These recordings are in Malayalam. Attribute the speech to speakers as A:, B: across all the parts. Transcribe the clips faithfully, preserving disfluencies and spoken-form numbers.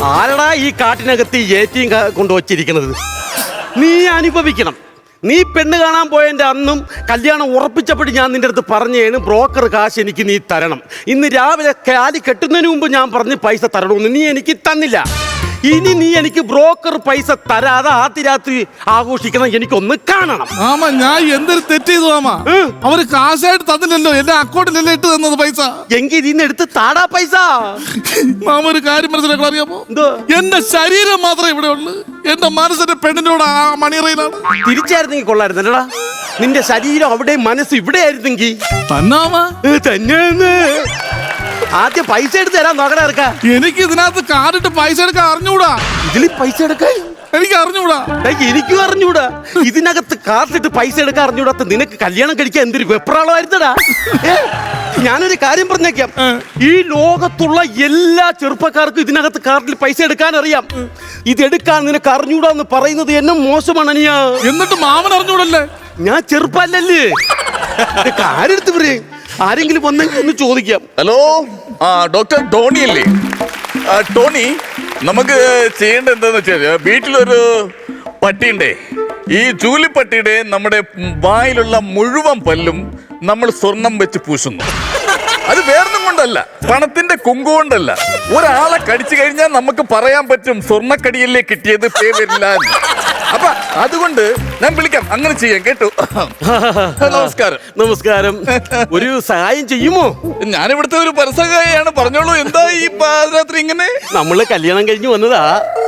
A: ആരടാ ഈ കാട്ടിനകത്ത് ഏറ്റിയും കൊണ്ടുവച്ചിരിക്കുന്നത്? നീ അനുഭവിക്കണം. നീ പെണ്ണ് കാണാൻ പോയതിൻ്റെ അന്നും കല്യാണം ഉറപ്പിച്ചപ്പോൾ ഞാൻ നിന്റെ അടുത്ത് പറഞ്ഞേണ് ബ്രോക്കർ കാശ് എനിക്ക് നീ തരണം. ഇന്ന് രാവിലെ കാലി കെട്ടുന്നതിന് മുമ്പ് ഞാൻ പറഞ്ഞ് പൈസ തരണമെന്ന് നീ എനിക്ക് തന്നില്ല. ഇനി നീ എനിക്ക് ബ്രോക്കർ പൈസ തരാതെ ആദ്യ രാത്രി ആഘോഷിക്കണം. എനിക്കൊന്ന് കാണണം.
B: ആമാ ഞാൻ എന്തൊരു തെറ്റ് ചെയ്തു മാമാ. അവര് കാശായിട്ട് തന്നില്ലല്ലോ, എന്റെ അക്കൗണ്ടിലല്ലേ ഇട്ട് തന്നത് പൈസ.
A: എങ്കിൽ ഇതിന്ന് എടുത്ത് താടാ പൈസ.
B: മാമ ഒരു കാര്യം മനസ്സിലാക്കാൻ അറിയാമോ? എന്റെ ശരീരം മാത്രമേ ഇവിടെ ഉള്ളു, എന്റെ മനസ്സിന്റെ പെണ്ണിനോട് ആ മണിയറയിലാണ്.
A: തിരിച്ചായിരുന്നെങ്കിൽ കൊള്ളായിരുന്നല്ലടാ. നിന്റെ ശരീരം അവിടെ മനസ്സ് ഇവിടെ ആയിരുന്നെങ്കിൽ
B: തന്നാമാ
A: തന്നെ. ആദ്യം പൈസ എടുത്ത് തരാൻ നോക്കണ ഇറക്കാ.
B: എനിക്ക് ഇതിനകത്ത് കാർഡിട്ട് പൈസ എടുക്കാൻ അറിഞ്ഞൂടാ.
A: ഇതിൽ പൈസ എടുക്കാൻ
B: എനിക്ക് അറിഞ്ഞൂടാ.
A: എനിക്കും അറിഞ്ഞൂടാ. ഇതിനകത്ത് കാർഡിട്ട് പൈസ എടുക്കാൻ അറിഞ്ഞൂടാത്ത നിനക്ക് കല്യാണം കഴിക്കാൻ എന്തൊരു വെപ്രാളമായിരുന്നടാ. ഞാനൊരു കാര്യം പറഞ്ഞേക്കാം, ഈ ലോകത്തുള്ള എല്ലാ ചെറുപ്പക്കാർക്കും ഇതിനകത്ത് കാർഡിൽ പൈസ എടുക്കാൻ അറിയാം. ഇതെടുക്കാൻ നിനക്ക് അറിഞ്ഞൂടാന്ന് പറയുന്നത് എന്നെ മോശമാണ് അനിയാ.
B: എന്നിട്ട് മാമൻ അറിഞ്ഞൂടല്ലേ?
A: ഞാൻ ചെറുപ്പല്ലേ. കാരെടുത്ത് പറയും. ആരെങ്കിലും വന്നെങ്കിൽ ഒന്ന് ചോദിക്കാം.
C: ഹലോ, ആ ഡോക്ടർ ടോണി അല്ലേ? ടോണി, നമുക്ക് ചെയ്യേണ്ട എന്താന്ന് വെച്ചാൽ വീട്ടിലൊരു പട്ടിയുണ്ടേ. ഈ ചൂലിപ്പട്ടിയുടെ നമ്മുടെ വായിലുള്ള മുഴുവൻ പല്ലും നമ്മൾ സ്വർണം വെച്ച് പൂശുന്നു. അത് വേറൊന്നും കൊണ്ടല്ല, പണത്തിന്റെ കുങ്കു കൊണ്ടല്ല. ഒരാളെ കടിച്ചു കഴിഞ്ഞാൽ നമുക്ക് പറയാൻ പറ്റും സ്വർണ്ണക്കടിയല്ലേ കിട്ടിയത്, പേ വരില്ല. അപ്പൊ അതുകൊണ്ട് ഞാൻ വിളിക്കാം, അങ്ങനെ ചെയ്യാം കേട്ടോ. നമസ്കാരം.
A: നമസ്കാരം. ഒരു സഹായം ചെയ്യുമോ?
C: ഞാനിവിടുത്തെ ഒരു പരസഹായാണ്, പറഞ്ഞോളൂ. എന്താ ഈ പാതിരാത്രി ഇങ്ങനെ?
A: നമ്മള് കല്യാണം കഴിഞ്ഞ് വന്നതാ.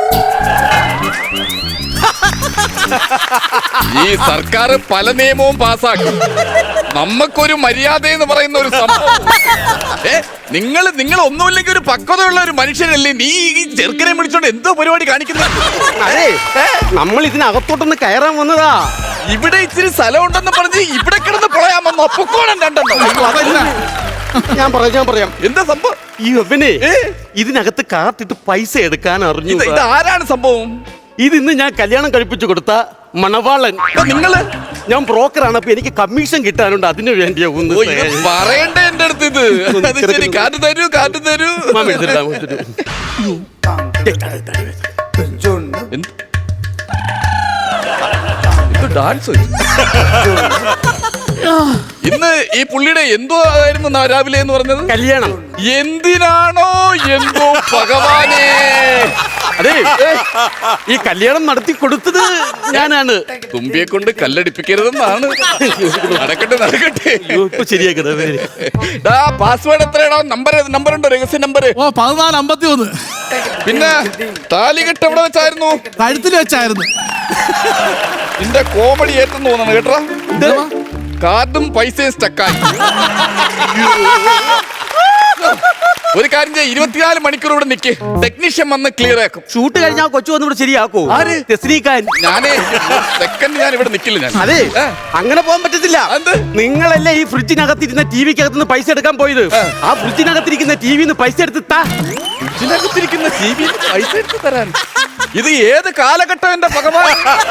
C: ഈ സർക്കാർ പല നിയമവും പാസ്സാക്കി. നമുക്കൊരു മര്യാദ എന്ന് പറയുന്ന ഒരു സംഭവം. ഏ നിങ്ങൾ നിങ്ങൾ ഒന്നുമില്ലെങ്കിൽ ഒരു പക്വതയുള്ള ഒരു മനുഷ്യനല്ലേ? നീ ഈ ചെറുക്കനെ വിളിച്ചോണ്ട് എന്തോ പരിപാടി കാണിക്കുന്നത്?
A: അതെ, നമ്മൾ ഇതിനകത്തോട്ടൊന്ന് കയറാൻ വന്നതാ.
C: ഇവിടെ ഇച്ചിരി സ്ഥലം ഉണ്ടെന്ന് പറഞ്ഞ് ഇവിടെ കിടന്ന് പൊളയാൻ വന്നോ? പൊക്കോണം രണ്ടെണ്ണം.
A: ഞാൻ പറയാം ഞാൻ പറയാം
C: എന്താ സംഭവം?
A: ഈ ഒവനെ ഇതിനകത്ത് കാത്തിട്ട് പൈസ എടുക്കാൻ അറിഞ്ഞു.
C: ഇത് ആരാണ് സംഭവം?
A: ഇത് ഇന്ന് ഞാൻ കല്യാണം കഴിപ്പിച്ചു കൊടുത്ത മണവാളൻ.
C: നിങ്ങള്?
A: ഞാൻ ബ്രോക്കറാണ്, അപ്പൊ എനിക്ക് കമ്മീഷൻ കിട്ടാനുണ്ട്. അതിനു വേണ്ടിയാ ഒന്ന്
C: പറയണ്ടേ എന്റെ അടുത്ത് ഇത്? ശരി, കാറ്റ് തരൂ, കാറ്റ് തരൂ. ഡാൻസ് ഇന്ന് ഈ പുള്ളിയുടെ എന്തോ ആയിരുന്നു രാവിലെ എന്ന് പറഞ്ഞത്?
A: കല്യാണം.
C: എന്തിനാണോ എന്തോ ഭഗവാനേ.
A: അതെ, ഈ കല്യാണം നടത്തി കൊടുത്തത് ഞാനാണ്.
C: തുമ്പിയെ കൊണ്ട് കല്ലടിപ്പിക്കരുതെന്നാണ്. നടക്കട്ടെ നടക്കട്ടെ.
A: ശരിയാക്കട്ടെ.
C: പാസ്വേഡ് എത്രയാണോ? നമ്പർ നമ്പർ ഉണ്ടോ? രഹസ്യ നമ്പർ?
B: ഓ പതിനാല് അമ്പത്തി ഒന്ന്.
C: പിന്നെ താലികെട്ട് എവിടെ വെച്ചായിരുന്നു?
B: കഴുത്തിൽ വെച്ചായിരുന്നു.
C: നിന്റെ കോമഡി ഏറ്റെന്ന് തോന്നണം കേട്ടോ. കാർഡും പൈസയും സ്റ്റക്കായി. ഒരു കാര്യം ചെയ്യാം, ഇരുപത്തിനാല് മണിക്കൂർ ഇവിടെ നിൽക്ക്, ടെക്നീഷ്യൻ വന്ന് ക്ലിയർ ആക്കും.
A: ഷൂട്ട് കഴിഞ്ഞാൽ കൊച്ചു വന്ന് ഇവിടെ ശരിയാക്കോ?
C: ആര്? ഞാനേ സെക്കൻഡ് ഞാൻ ഇവിടെ നിൽക്കില്ല. ഞാൻ
A: അതെ, അങ്ങനെ പോകാൻ പറ്റത്തില്ല. നിങ്ങളല്ലേ ഈ ഫ്രിഡ്ജിനകത്തിരുന്ന ടി വിക്കകത്തുനിന്ന് പൈസ എടുക്കാൻ പോയത്? ആ ഫ്രിഡ്ജിനകത്തിരിക്കുന്ന ടി വിന്ന് പൈസ എടുത്ത് താ.
C: ഫ്രിഡ്ജിനകത്തിരിക്കുന്ന ടി വി പൈസ എടുത്ത് തരാൻ ഇത് ഏത് കാലഘട്ടം എന്റെ ഭഗവാൻ?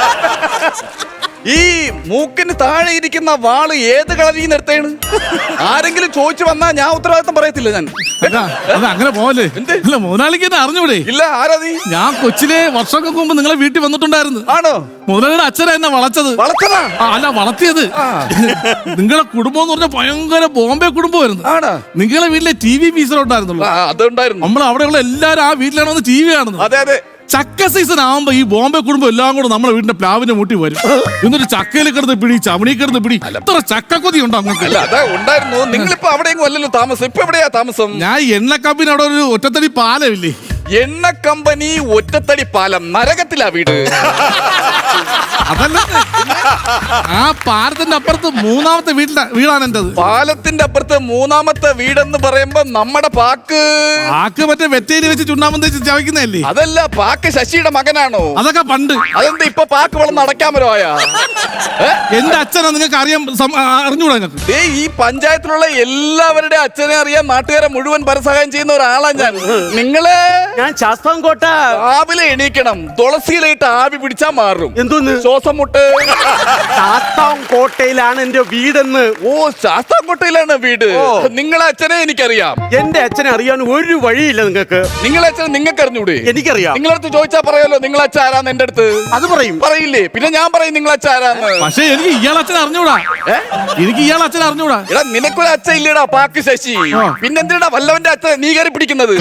C: ഈ മൂക്കിന് താഴെ ഇരിക്കുന്ന വാള് ഏത് കളറിൽ നിന്ന് എടുത്തേണ്? ആരെങ്കിലും ചോദിച്ചു വന്നാ ഞാൻ ഉത്തരവാദിത്തം പറയത്തില്ല. ഞാൻ
B: അങ്ങനെ പോവല്ലേ? മുതലാളിക്ക് എന്നെ അറിഞ്ഞൂടെ?
C: ഇല്ല. ആരാ നീ?
B: ഞാൻ കൊച്ചിലെ വർഷങ്ങൾക്ക് മുമ്പ് നിങ്ങളെ വീട്ടിൽ വന്നിട്ടുണ്ടായിരുന്നു.
C: ആണോ?
B: മുതലാളിയുടെ അച്ഛനാ എന്നെ വളച്ചത്.
C: വളച്ചതാ?
B: അല്ല, വളർത്തിയത്. നിങ്ങളെ കുടുംബം എന്ന് പറഞ്ഞാൽ ഭയങ്കര ബോംബെ കുടുംബമായിരുന്നു. നിങ്ങളെ വീട്ടിലെ ടി വി പീസറുണ്ടായിരുന്നുള്ളൂ.
C: അതുണ്ടായിരുന്നു.
B: നമ്മൾ അവിടെയുള്ള എല്ലാരും ആ വീട്ടിലാണ് വന്ന് ടി വി കാണുന്നത്.
C: അതെ അതെ.
B: ചക്ക സീസൺ ആവുമ്പോ ഈ ബോംബെ കുടുംബം എല്ലാം കൂടെ നമ്മുടെ വീടിന്റെ പ്ലാവിന്റെ മുട്ടി വരും. എന്നിട്ട് ചക്കയിൽ കിടന്ന് പിടി, ചവണി കിടന്ന് പിടി. എത്ര ചക്കക്കൊതി ഉണ്ടോ അങ്ങക്ക്?
C: അല്ല, അതാ ഉണ്ടായിരുന്നു. നിങ്ങളിപ്പോ അവിടെയെങ്കിലും അല്ലല്ലോ താമസം. ഇപ്പൊ എവിടെയാ താമസം?
B: ഞാൻ എണ്ണ കമ്പനി അവിടെ ഒരു ഒറ്റത്തടി പാലമില്ലേ?
C: എണ്ണ കമ്പനി ഒറ്റത്തടി പാലം നരകത്തിലാ വീട്.
B: അതല്ല, ആ പാലത്തിന്റെ അപ്പുറത്ത് മൂന്നാമത്തെ വീട്ടിലെ വീടാണ് എന്റേത്.
C: പാലത്തിന്റെ അപ്പുറത്ത് മൂന്നാമത്തെ വീടെന്ന് പറയുമ്പോ നമ്മുടെ പാക്ക്
B: പാക്ക് മറ്റേ വെറ്റേരി വെച്ച് ചുണ്ണാമ്പം തേച്ച് ചവയ്ക്കുന്നതല്ലേ?
C: അതല്ല, പാക്ക് ശശിയുടെ മകനാണോ?
B: അതൊക്കെ പണ്ട്.
C: അതെന്താ ഇപ്പൊ പാക്ക് വളർന്ന് അടയ്ക്കാമല്ലോ ആയാ?
B: എന്റെ അച്ഛനാ നിങ്ങൾക്ക് അറിയാൻ അറിഞ്ഞൂടാ? നിങ്ങൾക്ക്
C: ഈ പഞ്ചായത്തിലുള്ള എല്ലാവരുടെ അച്ഛനെ അറിയാൻ നാട്ടുകാരെ മുഴുവൻ പരസഹായം ചെയ്യുന്ന ഒരാളാ ഞാൻ. നിങ്ങള്?
A: ഞാൻ ശാസ്താംകോട്ട.
C: രാവിലെ എണീക്കണം, തുളസിയിലായിട്ട് ആവി പിടിച്ചാ മാറും.
A: എന്തോന്ന്?
C: ശ്വാസം മുട്ട്.
A: ശാസ്താംകോട്ടയിലാണ് എന്റെ വീടെന്ന്.
C: ഓ, ശാസ്താംകോട്ടയിലാണ് വീട്. നിങ്ങളെ അച്ഛനെ എനിക്കറിയാം.
A: എന്റെ അച്ഛനെ അറിയാൻ ഒരു വഴിയില്ല നിങ്ങൾക്ക്.
C: നിങ്ങളെ അച്ഛനെ നിങ്ങൾക്ക് അറിഞ്ഞൂടെ?
A: എനിക്കറിയാം.
C: നിങ്ങളടുത്ത് ചോദിച്ചാ പറയാലോ നിങ്ങളെ അച്ഛൻ ആരാന്ന് എന്റെ അടുത്ത്.
A: അത് പറയും.
C: പറയില്ലേ? പിന്നെ ഞാൻ പറയും നിങ്ങളെ അച്ഛൻ ആരാന്ന്.
B: പക്ഷെ എനിക്ക് ഇയാൾ അച്ഛൻ അറിഞ്ഞൂടാ. എനിക്ക് ഇയാൾ അച്ഛൻ അറിഞ്ഞൂടാ.
C: എടാ നിനക്കൊരു അച്ഛൻ ഇല്ലടാ പാക്ക് ശശി. പിന്നെന്തിനാ വല്ലവന്റെ അച്ഛൻ നീ കയറി പിടിക്കുന്നത്?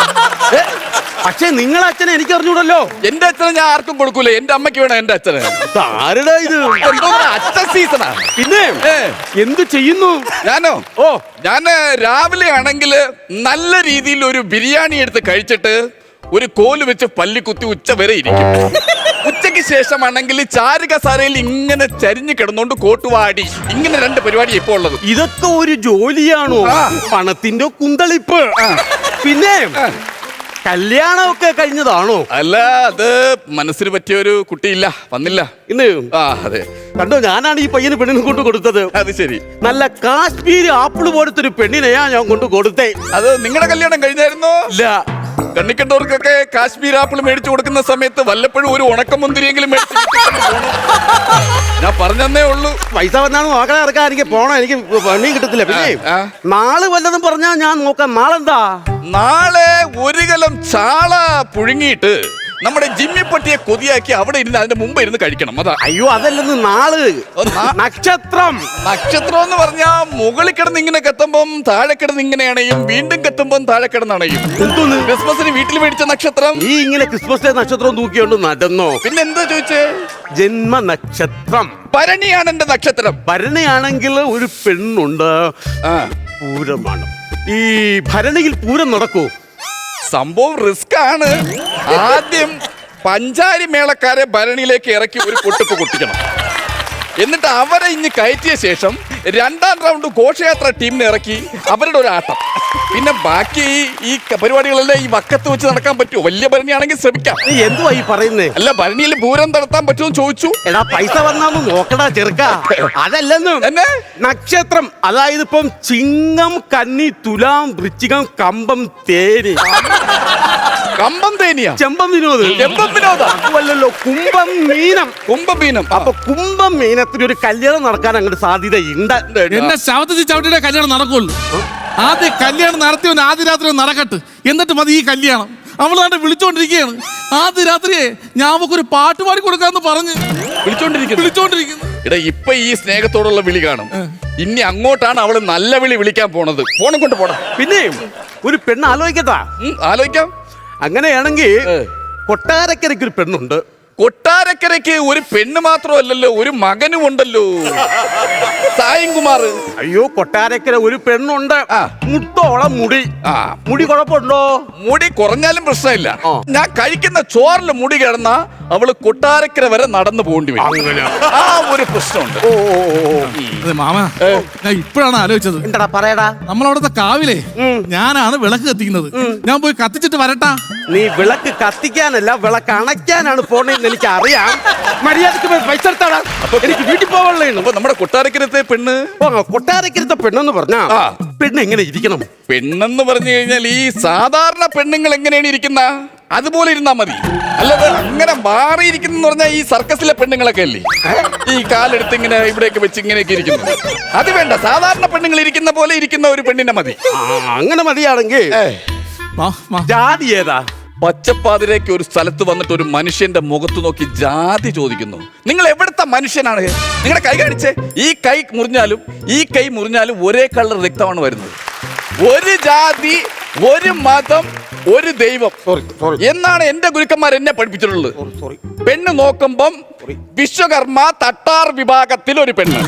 A: പക്ഷെ നിങ്ങളെ അച്ഛനെ എനിക്ക് അറിഞ്ഞൂടല്ലോ.
C: എന്റെ അച്ഛനെ ഞാൻ ആർക്കും കൊടുക്കൂല. എന്റെ അമ്മയ്ക്ക് വേണം എന്റെ അച്ഛന്.
A: ആരുടെ ഇത്?
C: എന്തോ അച്ഛൻ സീസണാ.
A: പിന്നെ എന്ത് ചെയ്യുന്നു?
C: ഞാനോ?
A: ഓ,
C: ഞാൻ രാവിലെ ആണെങ്കിൽ നല്ല രീതിയിൽ ഒരു ബിരിയാണി എടുത്ത് കഴിച്ചിട്ട് ഒരു കോല് വെച്ച് പല്ലി കുത്തി ഉച്ച വരെ ഇരിക്കും. ഉച്ചയ്ക്ക് ശേഷമാണെങ്കിൽ ചാരുകസാരയിൽ ഇങ്ങനെ ചരിഞ്ഞു കിടന്നോണ്ട് കോട്ടുവാടി. ഇങ്ങനെ രണ്ട് പരിപാടി ഇപ്പൊ ഉള്ളത്.
A: ഇതൊക്കെ ഒരു ജോലിയാണോ? പണത്തിന്റെ കുന്തളിപ്പ്. പിന്നെ കല്യാണമൊക്കെ കഴിഞ്ഞതാണോ?
C: അല്ല, അത് മനസ്സിന് പറ്റിയ ഒരു കുട്ടിയില്ല, വന്നില്ല
A: ഇന്ന്.
C: ആ അതെ.
A: കണ്ടോ, ഞാനാണ് ഈ പയ്യന് പെണ്ണിനെ കൊണ്ട് കൊടുത്തത്.
C: അത് ശരി.
A: നല്ല കാശ്മീരി ആപ്പിള് പോലത്തെ ഒരു പെണ്ണിനെയാ ഞാൻ കൊണ്ട് കൊടുത്തേ.
C: അത് നിങ്ങളുടെ കല്യാണം കഴിഞ്ഞായിരുന്നോ?
A: ഇല്ല.
C: കണ്ണിക്കണ്ടവർക്കൊക്കെ കാശ്മീർ ആപ്പിൾ മേടിച്ചു കൊടുക്കുന്ന സമയത്ത് വല്ലപ്പോഴും ഒരു ഉണക്കമുന്തിരിയെങ്കിലും മേടിച്ചു. ഞാൻ പറഞ്ഞതേ ഉള്ളൂ.
A: പൈസ വന്നാണ് നോക്കണേ ഇറക്കാൻ. എനിക്ക് പോണം, എനിക്ക് പണിയും കിട്ടത്തില്ല. പിന്നെ നാളെ വല്ലതും പറഞ്ഞാ ഞാൻ നോക്കാം. നാളെന്താ?
C: നാളെ ഒരു കലം ചാള പുഴുങ്ങിയിട്ട് നമ്മുടെ ജിമ്മിപ്പട്ടിയെ കൊതിയാക്കി അവിടെ ഇരുന്ന് അതിന്റെ മുമ്പ് ഇരുന്ന് കഴിക്കണം. അതാ.
A: അയ്യോ, അതല്ലെന്ന്. നാള് നക്ഷത്രം.
C: നക്ഷത്രം എന്ന് പറഞ്ഞാ മുകളിൽ കിടന്ന് ഇങ്ങനെ കത്തുമ്പം താഴെ കിടന്ന് ഇങ്ങനെ അണയും, വീണ്ടും കത്തുമ്പം താഴെ കിടന്ന് അണയും.
A: എന്തോന്ന്?
C: ക്രിസ്മസിന് വീട്ടിൽ മേടിച്ച നക്ഷത്രം.
A: ഈ ഇങ്ങനെ ക്രിസ്മസ് ഡേ നക്ഷത്രം തൂക്കിയോണ്ട് നടന്നോ?
C: പിന്നെ എന്താ ചോദിച്ചേ?
A: ജന്മ നക്ഷത്രം
C: ഭരണിയാണ് എന്റെ നക്ഷത്രം.
A: ഭരണിയാണെങ്കിൽ ഒരു പെണ്ണുണ്ട്. പൂരമാണ്. ഈ ഭരണിയിൽ പൂരം നടക്കൂ?
C: സംഭവം റിസ്ക് ആണ്. ആദ്യം പഞ്ചാരി മേളക്കാരെ ഭരണിയിലേക്ക് ഇറക്കി ഒരു പൊട്ടിപ്പ് പൊട്ടിക്കണം. എന്നിട്ട് അവരെ ഇനി കയറ്റിയ ശേഷം രണ്ടാം റൗണ്ട് ഘോഷയാത്ര ടീമിനെ ഇറക്കി അവരുടെ ഒരു ആട്ടം. പിന്നെ ബാക്കി ഈ പരിപാടികളെല്ലാം ഈ വക്കത്ത് വെച്ച് നടക്കാൻ പറ്റുമോ? വലിയ ഭരണിയാണെങ്കിൽ ശ്രമിക്കാം.
A: നീ എന്തുവാ ഈ പറയുന്നേ?
C: അല്ല, ഭരണിയിൽ പൂരം നടത്താൻ പറ്റുമോ ചോദിച്ചു.
A: എടാ, പൈസ വന്നാന്ന് നോക്കടാ ചെറുക്ക. അതല്ലെന്നും
C: എന്നെ
A: നക്ഷത്രം. അതായത് ഇപ്പം ചിങ്ങം, കന്നി, തുലാം, വൃശ്ചികം, കമ്പം, തേനി.
C: കമ്പം തേനിയാ?
A: ചെമ്പം വിനോദ്.
C: ചെമ്പം വിനോദ
A: അതുമല്ലല്ലോ, കുംഭം മീനം.
C: കുംഭം മീനം.
A: അപ്പൊ കുംഭം മീനത്തിന് ഒരു കല്യാണം നടക്കാൻ അങ്ങോട്ട് സാധ്യതയുണ്ട്.
B: എന്നെ ശവത്തിൽ ചവിട്ടിയുടെ കല്യാണം നടക്കുള്ളൂ. ആദ്യം കല്യാണം നടത്തിയവൻ ആദ്യ രാത്രി നടക്കട്ടെ, എന്നിട്ട് മതി ഈ കല്യാണം. അവളാണ്ട് വിളിച്ചോണ്ടിരിക്കുകയാണ്. ആദ്യ രാത്രിയെ ഞാൻ അവക്കൊരു പാട്ട് പാടി കൊടുക്കാന്ന് പറഞ്ഞ്
C: വിളിച്ചോണ്ടിരിക്കുന്നു
B: വിളിച്ചോണ്ടിരിക്കുന്നു
C: എടാ, ഇപ്പൊ ഈ സ്നേഹത്തോടുള്ള വിളി കാണും. ഇനി അങ്ങോട്ടാണ് അവള് നല്ല വിളി വിളിക്കാൻ പോണത്. ഫോണും കൊണ്ട് പോണം.
A: പിന്നെ ഒരു പെണ്ണ് ആലോചിക്കട്ടാ.
C: ആലോചിക്കാം.
A: അങ്ങനെയാണെങ്കിൽ കൊട്ടാരക്കരയ്ക്ക് ഒരു പെണ്ണുണ്ട്.
C: കൊട്ടാരക്കരയ്ക്ക് ഒരു പെണ്ണ് മാത്രമല്ലല്ലോ, ഒരു മകനും ഉണ്ടല്ലോ, സായം കുമാർ.
A: അയ്യോ, കൊട്ടാരക്കര ഒരു പെണ്ണുണ്ട്. മുട്ടോളം മുടി.
C: ആ
A: മുടി കുഴപ്പമുണ്ടോ?
C: മുടി കുറഞ്ഞാലും പ്രശ്നമില്ല. ഞാൻ കഴിക്കുന്ന ചോറിൽ മുടി കിടന്ന അവള് കൊട്ടാരക്കര വരെ നടന്നു പോകേണ്ടി വരും. ആ ഒരു പ്രശ്നമുണ്ട്.
A: ഓ,
B: അതെ മാമ, ഞാൻ ഇപ്പോഴാണ് ആലോചിച്ചത്.
A: എന്താടാ പറയടാ?
B: നമ്മളവിടത്തെ കാവിലെ ഞാനാണ് വിളക്ക് കത്തിക്കുന്നത്. ഞാൻ പോയി കത്തിച്ചിട്ട് വരട്ടാ.
A: നീ വിളക്ക് കത്തിക്കാനല്ല, വിളക്ക് അണയ്ക്കാനാണ് പോണെന്ന് എനിക്ക് അറിയാം. മര്യാദക്ക് പോയി പൈസ എടുത്താടാ. എനിക്ക് വീട്ടിൽ പോകാനുള്ളതാണ്.
C: അപ്പൊ നമ്മുടെ കൊട്ടാരക്കരത്തെ പെണ്ണ്,
A: കൊട്ടാരക്കരത്തെ പെണ്ണെന്ന് പറഞ്ഞാ പെണ്ണ് എങ്ങനെ ഇരിക്കണം?
C: പെണ്ണെന്ന് പറഞ്ഞു കഴിഞ്ഞാൽ ഈ സാധാരണ പെണ്ണുങ്ങൾ എങ്ങനെയാണ് ഇരിക്കുന്ന അതുപോലെ ഇരുന്നാ മതി. അല്ലാതെ അങ്ങനെ മാറിയിരിക്കുന്ന പറഞ്ഞാൽ ഈ സർക്കസിലെ പെണ്ണുങ്ങളൊക്കെ അല്ലേ ഈ കാലെടുത്ത് ഇങ്ങനെ ഇവിടെയൊക്കെ വെച്ച് ഇങ്ങനെയൊക്കെ ഇരിക്കുന്നു. അത് വേണ്ട, സാധാരണ പെണ്ണുങ്ങൾ ഇരിക്കുന്ന പോലെ ഇരിക്കുന്ന ഒരു പെണ്ണിനെ മതി.
A: അങ്ങനെ മതിയാണെങ്കിൽ ജാതി ഏതാ?
C: പച്ചപ്പാതിരേക്ക് ഒരു സ്ഥലത്ത് വന്നിട്ട് ഒരു മനുഷ്യന്റെ മുഖത്ത് നോക്കി ജാതി ചോദിക്കുന്നു. നിങ്ങൾ എവിടുത്തെ മനുഷ്യനാണ്? നിങ്ങളുടെ കൈ കാണിച്ചേ. ഈ കൈ മുറിഞ്ഞാലും ഈ കൈ മുറിഞ്ഞാലും ഒരേ കളർ രക്തമാണ് വരുന്നത്. ഒരു ജാതി, ഒരു മതം, ഒരു ദൈവം എന്നാണ് എന്റെ ഗുരുക്കന്മാർ എന്നെ പഠിപ്പിച്ചിട്ടുള്ളത്. പെണ്ണ് നോക്കുമ്പം വിശ്വകർമ്മ തട്ടാർ വിഭാഗത്തിൽ ഒരു പെണ്ണ്.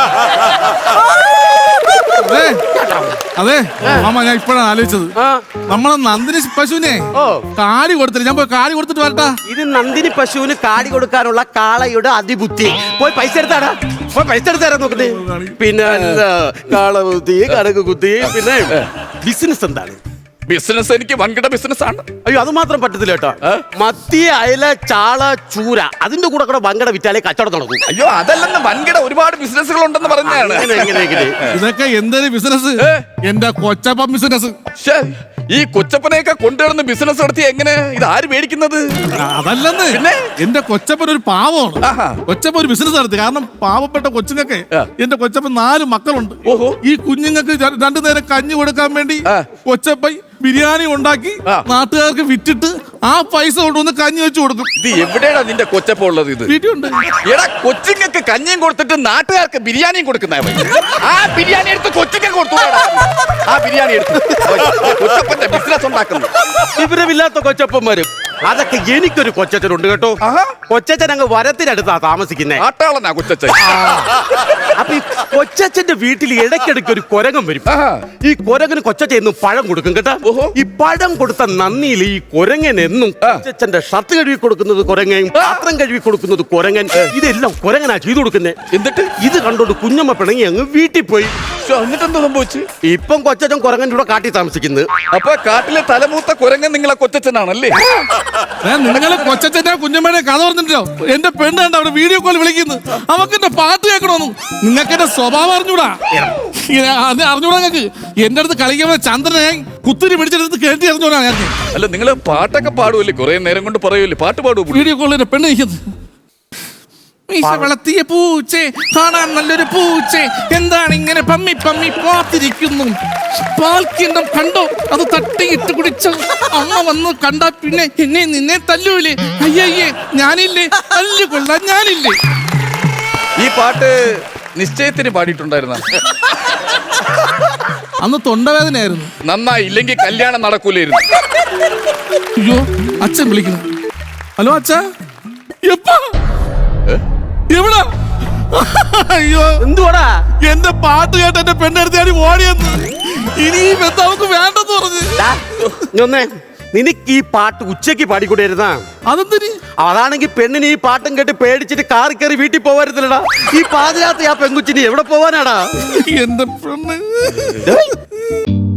B: അതെ മാമ, ഞാൻ ഇപ്പോഴാണ് ആലോചിച്ചത്. നമ്മളെ നന്ദിനി പശുവിനെ കാടി കൊടുത്തില്ല. ഞാൻ പോയി കാടി കൊടുത്തിട്ട് വരട്ടാ.
A: ഇത് നന്ദിനി പശുവിന് കാടി കൊടുക്കാനുള്ള കാളയുടെ അതിബുദ്ധി. പോയി പൈസ എടുത്താടാ. പോയി പൈസ എടുത്താരാ നോക്കട്ടെ. പിന്നെ കാള കുത്തി, കടക്ക് കുത്തി. പിന്നെ ബിസിനസ് എന്താണ്?
C: ബിസിനസ് എനിക്ക് വൻകിട ബിസിനസ് ആണ്.
A: അയ്യോ, അത് മാത്രം പറ്റത്തില്ല കേട്ടോ. മത്തി, അയല, ചാള, ചൂര അതിന്റെ കൂടെ കൂടെ വൻകിട വിറ്റാലേ കച്ചവടം നടക്കും.
C: അയ്യോ, അതല്ലെന്ന് വൻകിട ഒരുപാട് ബിസിനസ്സുകൾ ഉണ്ടെന്ന് പറഞ്ഞാണ്.
B: ഇതൊക്കെ എന്തൊരു ബിസിനസ്? എന്റെ കൊച്ചപ്പം ബിസിനസ്.
C: ഈ കൊച്ചപ്പനെയൊക്കെ കൊണ്ടുവരുന്ന ബിസിനസ് നടത്തി എങ്ങനെ ഇത് ആര് മേടിക്കുന്നത്?
B: അതല്ലെന്ന്
C: പിന്നെ?
B: എന്റെ കൊച്ചപ്പൻ ഒരു പാവമാണ്.
C: ആഹാ.
B: കൊച്ചപ്പൻ ഒരു ബിസിനസ് നടത്തി. കാരണം പാവപ്പെട്ട കൊച്ചുങ്ങൾക്ക്
C: ആ.
B: എന്റെ കൊച്ചപ്പൻ നാല് മക്കളുണ്ട്.
C: ഓഹോ.
B: ഈ കുഞ്ഞുങ്ങൾക്ക് ര- രണ്ടു നേരം കഞ്ഞി കൊടുക്കാൻ വേണ്ടി
C: ആ.
B: കൊച്ചപ്പൻ ബിരിയാണി ഉണ്ടാക്കി
C: ആ.
B: നാട്ടുകാർക്ക് വിറ്റിട്ട് ആ പൈസ കൊണ്ടുവന്ന് കഞ്ഞി വെച്ച് കൊടുക്കും.
C: ഇത് എവിടെയാണ് നിന്റെ കൊച്ചപ്പ ഉള്ളത്? ഇത്
B: വീട്ടിലുണ്ട്.
C: എടാ കൊച്ചിങ്ങൾക്ക് കഞ്ഞിയും കൊടുത്തിട്ട് നാട്ടുകാർക്ക് ബിരിയാണിയും കൊടുക്കുന്ന ആ ബിരിയാണി എടുത്ത് കൊച്ചിക്ക് കൊടുത്തു. ആ ബിരിയാണി എടുത്ത് കൊച്ചപ്പന്റെ ബിസിനസ് ഉണ്ടാക്കുന്നു.
A: വിവരമില്ലാത്ത കൊച്ചപ്പന്മാരും. അതൊക്കെ എനിക്കൊരു കൊച്ചച്ഛനുണ്ട് കേട്ടോ.
C: ആഹാ.
A: കൊച്ചച്ഛൻ അങ്ങ് വരത്തിനടുത്താ താമസിക്കുന്നേ.
C: ആട്ടാളനാ കൊച്ചച്ഛൻ.
A: അപ്പൊ ഈ കൊച്ചച്ഛന്റെ വീട്ടിൽ ഇടയ്ക്കിടയ്ക്ക് ഒരു കുരങ്ങൻ വരും.
C: ആഹാ.
A: ഈ കുരങ്ങന് കൊച്ചച്ഛൻ എന്നും പഴം കൊടുക്കും കേട്ടോ.
C: ഓഹോ.
A: ഈ പഴം കൊടുത്ത നന്ദിയിൽ ഈ കുരങ്ങൻ എന്നും കൊച്ചച്ഛന്റെ ഷർട്ട് കഴുകി കൊടുക്കുന്നത് കുരങ്ങൻ, പാത്രം കഴുകി കൊടുക്കുന്നത് കുരങ്ങൻ, ഇതെല്ലാം കുരങ്ങനാ ചെയ്തു കൊടുക്കുന്നേ.
C: എന്നിട്ട്
A: ഇത് കണ്ടോണ്ട് കുഞ്ഞമ്മ പിണങ്ങി അങ്ങ് വീട്ടിൽ പോയി.
C: എന്നിട്ട് എന്താ സംഭവിച്ചു?
A: ഇപ്പം കൊച്ചച്ഛൻ കുരങ്ങന്റെ കൂടെ കാട്ടി താമസിക്കുന്നത്.
C: അപ്പൊ കാട്ടിലെ തലമൂത്ത കുരങ്ങൻ നിങ്ങളെ കൊച്ചച്ഛനാണല്ലേ?
B: നിങ്ങള് കൊച്ചച്ഛന്റെ കുഞ്ഞമ്മയുടെ കഥ പറഞ്ഞിട്ടോ. എന്റെ പെണ്ണ് കണ്ട അവിടെ വീഡിയോ കോൾ വിളിക്കുന്നു. അവക്ക് എന്റെ പാട്ട് കേൾക്കണമെന്നും. നിങ്ങൾക്ക് എന്റെ സ്വഭാവം അറിഞ്ഞൂടാ. ഇങ്ങനെ അത് അറിഞ്ഞൂടാ. നിങ്ങൾക്ക് എന്റെ അടുത്ത് കളിക്കുമ്പോൾ ചന്ദ്രനെ ഞാൻ കുത്തിരി പിടിച്ചെടുത്ത് കേട്ടി അറിഞ്ഞൂടാ. ഞാൻ
C: അല്ല നിങ്ങൾ പാട്ടൊക്കെ പാടുമല്ലേ? കുറെ നേരം കൊണ്ട് പറയുമല്ലേ പാട്ട് പാടുമോ?
B: വീഡിയോ കോളിൽ എന്റെ പെണ്ണ് നിൽക്കുന്നത്. മീശ വളർത്തിയ പൂച്ചേ, കാണാൻ നല്ലൊരു പൂച്ചേ, എന്താണ് ഇങ്ങനെ പമ്മി പമ്മി പാത്തിരിക്കുന്നു? പാൽക്കിണ്ണം കണ്ടോ? അത് തട്ടിയിട്ട് കുടിച്ചോ? അമ്മ വന്ന് കണ്ടാ പിന്നെ എന്നെ നിന്നെ തല്ലൂലേ? അയ്യയ്യേ, ഞാനില്ലേ? തല്ലുകൊള്ളാൻ ഞാനില്ലേ?
C: ഈ പാട്ട് നിശ്ചയത്തിന് പാടിയിട്ടുണ്ടായിരുന്ന?
B: അന്ന് തൊണ്ടവേദനയായിരുന്നു.
C: നന്നായി, ഇല്ലെങ്കിൽ കല്യാണം നടക്കൂലായിരുന്നു.
B: അയ്യോ, അച്ഛൻ വിളിക്കുന്നു. ഹലോ അച്ഛാ, എപ്പാ എവിടാ? അയ്യോ,
A: എന്തുവാടാ?
B: എന്റെ പാട്ട് കേട്ട് എന്റെ പെണ്ണെടുത്ത് ഓടിയെന്ന്. ഇനി ഈ ബന്ധം അവക്ക് വേണ്ടെന്ന് പറഞ്ഞു.
A: ഡാ, ഇങ്ങ് വന്നേ. നിനക്ക് ഈ പാട്ട് ഉച്ചയ്ക്ക് പാടിക്കൊണ്ടിരുന്നാ?
B: അതെന്തിന്?
A: അതാണെങ്കിൽ പെണ്ണിന് ഈ പാട്ടും കേട്ട് പേടിച്ചിട്ട് കാറി കയറി വീട്ടിൽ പോവായിരുന്നില്ലടാ. ഈ പാതിരാത്രി ആ പെങ്കുച്ചിന് എവിടെ പോവാനാടാ?
B: എന്റെ പെണ്ണ്